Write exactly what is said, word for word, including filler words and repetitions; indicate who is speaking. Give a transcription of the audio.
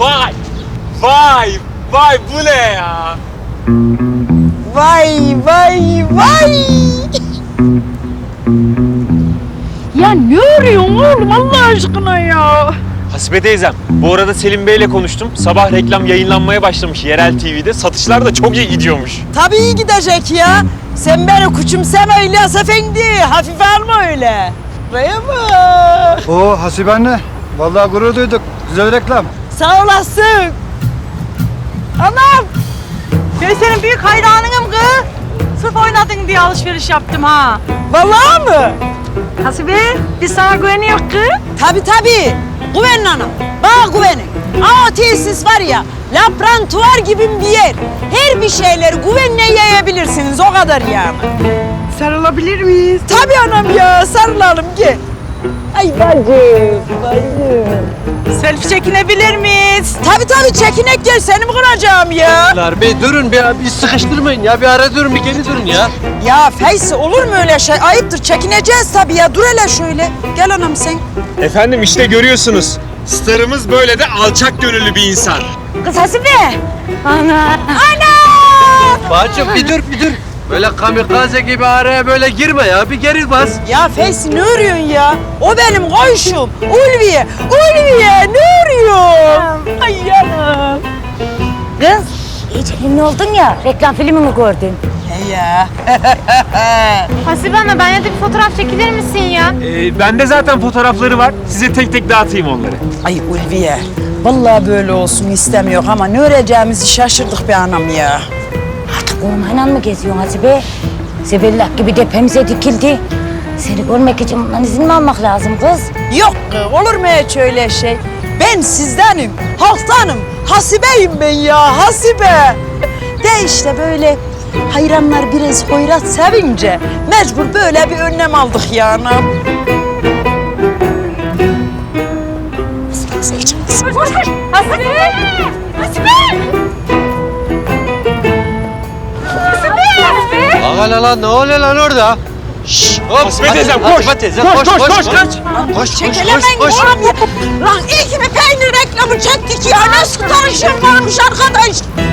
Speaker 1: Vay! Vay! Vay bu ne ya?
Speaker 2: Vay vay vay!
Speaker 3: Ya ne arıyorsun oğlum Allah aşkına ya?
Speaker 1: Hasibe teyzem, bu arada Selim Bey'le konuştum. Sabah reklam yayınlanmaya başlamış yerel T V'de. Satışlar da çok iyi gidiyormuş.
Speaker 2: Tabii iyi gidecek ya. Sen beni küçümseme İlyas Efendi. Hafife alma öyle. Buraya bak.
Speaker 4: Oo Hasibe anne. Vallahi gurur duyduk. Güzel reklam.
Speaker 2: Sağ olasın. Anam.
Speaker 3: Ben senin büyük hayranınım kız. Sırf oynadın diye alışveriş yaptım ha.
Speaker 2: Vallahi mı?
Speaker 3: Hasibe biz sana güveniyoruz kız.
Speaker 2: Tabii tabii. Güvenin anam. Bana güvenin. Aa tesis var ya, laboratuvar gibi bir yer. Her bir şeyleri güvenle yayabilirsiniz, o kadar yani.
Speaker 3: Sarılabilir miyiz?
Speaker 2: Tabii anam ya, sarılalım gel. Ay bacım, bacım.
Speaker 3: Selfie çekinebilir miyiz?
Speaker 2: Tabii tabii çekinek gel, seni mi kıracağım ya?
Speaker 5: Bey durun bir, bir sıkıştırmayın ya. Bir ara durun, bir geri durun ya.
Speaker 2: Ya Feysi olur mu öyle şey? Ayıptır, çekineceğiz tabii ya. Dur hele şöyle. Gel anam sen.
Speaker 1: Efendim işte görüyorsunuz. Starımız böyle de alçak gönüllü bir insan.
Speaker 3: Kız Hasibe. Ana.
Speaker 2: Ana!
Speaker 5: Bacım bir dur, bir dur. Böyle kamikaze gibi araya böyle girme ya. Bir geri bas.
Speaker 2: Ya Feysi ne örüyorsun ya? O benim koşum. Ulviye, Ulviye ne örüyorsun? Ay yanım.
Speaker 6: Kız, iyice ünlü oldun ya, reklam filmi mi gördün?
Speaker 2: He ya.
Speaker 7: Hasibe Ana, benimle de bir fotoğraf çekilir misin ya?
Speaker 1: Ee, bende zaten fotoğrafları var. Size tek tek dağıtayım onları.
Speaker 2: Ay Ulviye. Vallahi böyle olsun istemiyor ama ne öreceğimizi şaşırdık be anam ya.
Speaker 6: Artık ormanla mı geziyorsun Hasibe? Zebellak gibi tepemize dikildi. Seni görmek için bundan izin mi almak lazım kız?
Speaker 2: Yok olur mu hiç öyle şey? Ben sizdenim, halktanım. Hasibe'yim ben ya, Hasibe. De işte böyle hayranlar biraz hoyrat sevince mecbur böyle bir önlem aldık ya anam.
Speaker 7: Hasibe! Hasibe!
Speaker 5: Ağa lan, ne oluyor lan orada? Şşş, hop.
Speaker 1: Hasibe teyzem, koş.
Speaker 5: Hasibe teyzem,
Speaker 1: Koş,
Speaker 5: koş,
Speaker 1: koş,
Speaker 5: koş,
Speaker 1: koş,
Speaker 5: koş.
Speaker 1: koş.
Speaker 5: Koş, koş,
Speaker 2: Çekelemeyin
Speaker 5: koş, koş.
Speaker 2: oğlum ya. Lan iyi ki bir peynir reklamı çektik ya. Nasıl tanışırlarmış arkadaş?